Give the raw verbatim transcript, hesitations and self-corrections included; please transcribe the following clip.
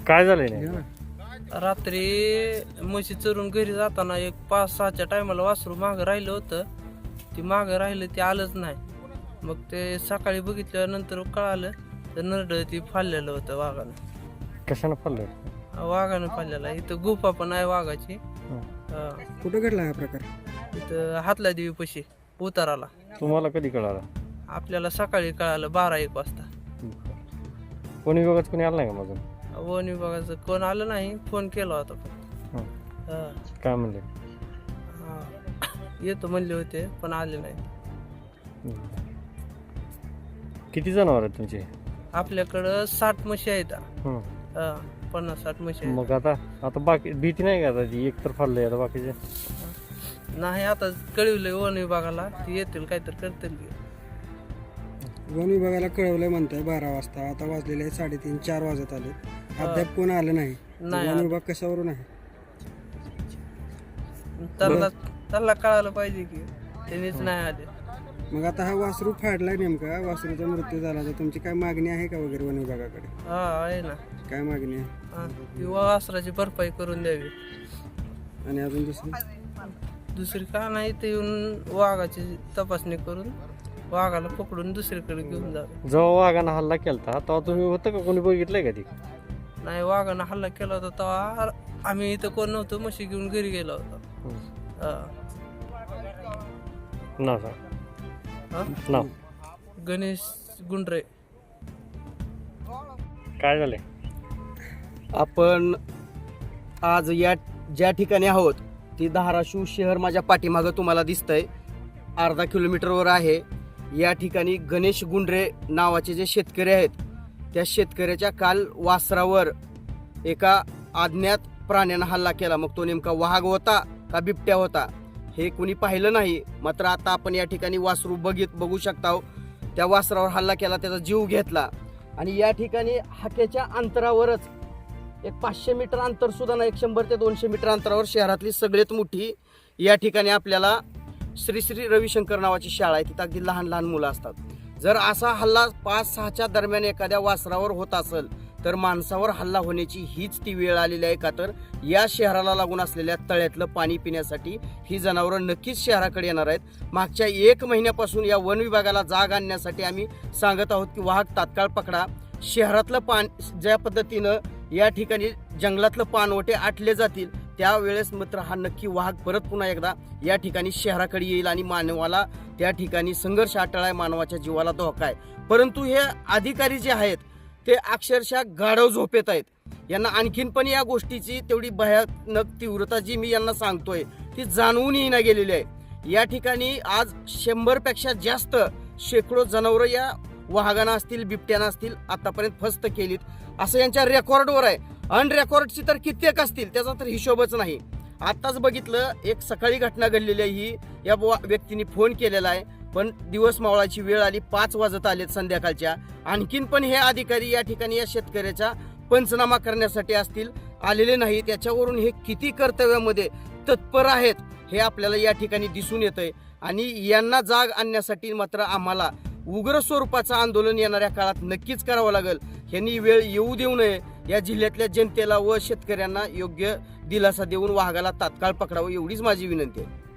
काय झालंय नाही? रात्री म्हशी चरून घरी जाताना एक पाच सहाच्या टायमाला वासरू मागं राहिलं होतं. ती मागं राहिलं ते आलंच नाही. मग ते सकाळी बघितल्यानंतर कळालं तर नरड ती फाडलेलं होतं वाघानं. कशानं पडलं? वाघानं फाडलेला. इथं गुफा पण आहे वाघाची. हा. कुठं घडला हा प्रकार? इथं हातला देवी पशी उताराला. तुम्हाला कधी कळालं? आपल्याला सकाळी कळालं बारा एक वाजता. कोणी विभागात कोणी आलं नाही का माझं? वन विभागाचं कोण आलं नाही. फोन केला होता फक्त. हं. हा. काय म्हणले? हा. येतो म्हणले होते पण आले नाही. किती जनावर आहेत तुमचे? आपल्याकडं साठ म्हशी आहेत. हं. हा, पन्नास साठ म्हशी आहेत. मग आता आता बाकी भीती नाही का आता ती एक तर फाडलंय आता बाकीचे? नाही आता कळवलंय वन विभागाला ती येतील काहीतरी करतील की. वन विभागाला कळवलंय म्हणताय बारा वाजता. आता वाजलेले आहे साडेतीन चार वाजत आले. अद्याप कोण आलं नाही. नाही वन आलं. विभाग कशावरून आहे? त्यांना त्यांना कळायला पाहिजे की त्यांनीच नाही आले. मग आता हा वासरू फाडलाय नेमका, वासरूचा मृत्यू झाला तर तुमची काय मागणी आहे का वगैरे वन विभागाकडे? हा आहे ना. काय मागणी आहे? हा, ती वासराची भरपाई करून द्यावी. आणि अजून दुसरी? दुसरी का नाही ते येऊन वाघाची तपासणी करून वाघाला पकडून दुसरीकडे घेऊन जावे. जेव्हा वाघानं हल्ला केलता तेव्हा तुम्ही होतं का कोणी बघितलंय का ती? नाही वाघानं हल्ला केला होता तेव्हा आम्ही इथं कोण नव्हतो. म्हशी घेऊन घरी गेलो होतो. हा. नाव सांग. हा? नाव गणेश गुंडरे. काय झालंय? आपण आज या ज्या ठिकाणी आहोत ती धाराशिव शहर माझ्या पाठीमागं तुम्हाला दिसतंय. अर्धा किलोमीटरवर आहे. या ठिकाणी गणेश गुंडरे नावाचे जे शेतकरी आहेत त्या शेतकऱ्याच्या काल वासरावर एका अज्ञात प्राण्यानं हल्ला केला. मग तो नेमका वाघ होता का बिबट्या होता हे कुणी पाहिलं नाही. मात्र आता आपण या ठिकाणी वासरू बघित बघू शकता. त्या वासरावर हल्ला केला, त्याचा जीव घेतला. आणि या ठिकाणी हाकेच्या अंतरावरच एक पाचशे मीटर अंतर सुद्धा नाही, एक शंभर ते दोनशे मीटर अंतरावर शहरातली सगळ्यात मोठी या ठिकाणी आपल्याला श्री श्री रविशंकर नावाची शाळा आहे. तिथं अगदी लहान लहान मुलं असतात. जर असा हल्ला पाच सहाच्या दरम्यान एखाद्या वासरावर होत असेल तर माणसावर हल्ला होण्याची हीच ती वेळ आलेली आहे. का तर या शहराला लागून असलेल्या तळ्यातलं पाणी पिण्यासाठी ही जनावरं नक्कीच शहराकडे येणार आहेत. मागच्या एक महिन्यापासून या वन विभागाला जाग आणण्यासाठी आम्ही सांगत आहोत की वाघ तात्काळ पकडा. शहरातलं पान ज्या पद्धतीनं या ठिकाणी जंगलातलं पानवटे आटले जातील त्यावेळेस मात्र हा नक्की वाघ परत पुन्हा एकदा या ठिकाणी शहराकडे येईल आणि मानवाला त्या ठिकाणी संघर्ष अटळ आहे, मानवाच्या जीवाला धोका आहे. परंतु हे अधिकारी जे आहेत ते अक्षरशः गाढव झोपेत आहेत. यांना आणखीन पण या गोष्टीची तेवढी भयानक तीव्रता जी मी यांना सांगतोय ती जाणवून येईना गेलेली आहे. या ठिकाणी आज शंभर पेक्षा जास्त शेकडो जनावरं या वाघांना असतील बिबट्याना असतील आतापर्यंत फस्त केलीत असं यांच्या रेकॉर्डवर आहे. अनरेकॉर्डची तर कित्येक असतील त्याचा तर हिशोबच नाही. आताच बघितलं एक सकाळी घटना घडलेली आहे. ही या व्यक्तीने फोन केलेला आहे पण दिवस मावळाची वेळ आली, पाच वाजत आलेत संध्याकाळच्या. आणखीन पण हे अधिकारी या ठिकाणी या शेतकऱ्याचा पंचनामा करण्यासाठी असतील आलेले नाही. त्याच्यावरून हे किती कर्तव्यामध्ये तत्पर आहेत हे आपल्याला या ठिकाणी दिसून येतंय. आणि यांना जाग आणण्यासाठी मात्र आम्हाला उग्र स्वरूपाचं आंदोलन येणाऱ्या काळात नक्कीच करावं लागेल. यांनी वेळ येऊ देऊ नये. या जिल्ह्यातल्या जनतेला व शेतकऱ्यांना योग्य दिलासा देऊन वाघाला तात्काळ पकडावं एवढीच माझी विनंती आहे.